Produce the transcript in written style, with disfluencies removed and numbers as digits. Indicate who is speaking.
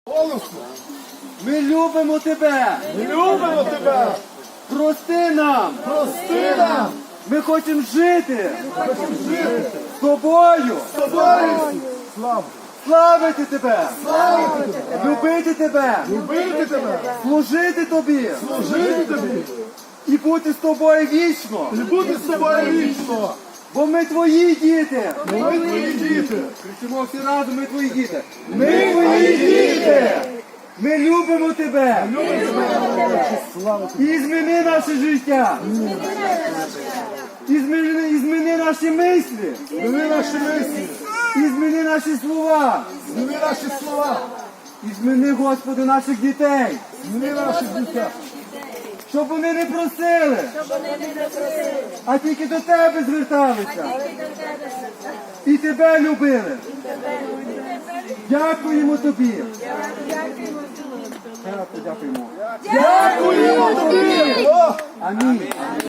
Speaker 1: Голосно.
Speaker 2: Ми любимо тебе.
Speaker 1: Ми любимо тебе.
Speaker 2: Прости нам.
Speaker 1: Прости нам.
Speaker 2: Ми хочемо жити
Speaker 1: Хочемо жити
Speaker 2: з тобою.
Speaker 1: з тобою. Слава.
Speaker 2: Славити тебе.
Speaker 1: Славити тебе.
Speaker 2: Любити тебе.
Speaker 1: Любити тебе.
Speaker 2: Служити тобі.
Speaker 1: Служити тобі.
Speaker 2: І бути з тобою вічно.
Speaker 1: І бути з тобою вічно.
Speaker 2: Бо ми твої діти.
Speaker 1: Ми твої діти.
Speaker 2: Кричимо всі разом, ми твої діти. Ми твої діти. Ми любимо тебе. І зміни наше життя. І зміни наші мислі.
Speaker 1: Зміни наші мислі.
Speaker 2: І зміни наші слова.
Speaker 1: Зміни наші слова.
Speaker 2: І зміни, Господи, наших дітей.
Speaker 1: Зміни наші дітей.
Speaker 2: Щоб вони не просили, а тільки до тебе зверталися. І тебе любили. Дякуємо тобі. Дякуємо.
Speaker 1: Дякуємо тобі.
Speaker 2: Амінь.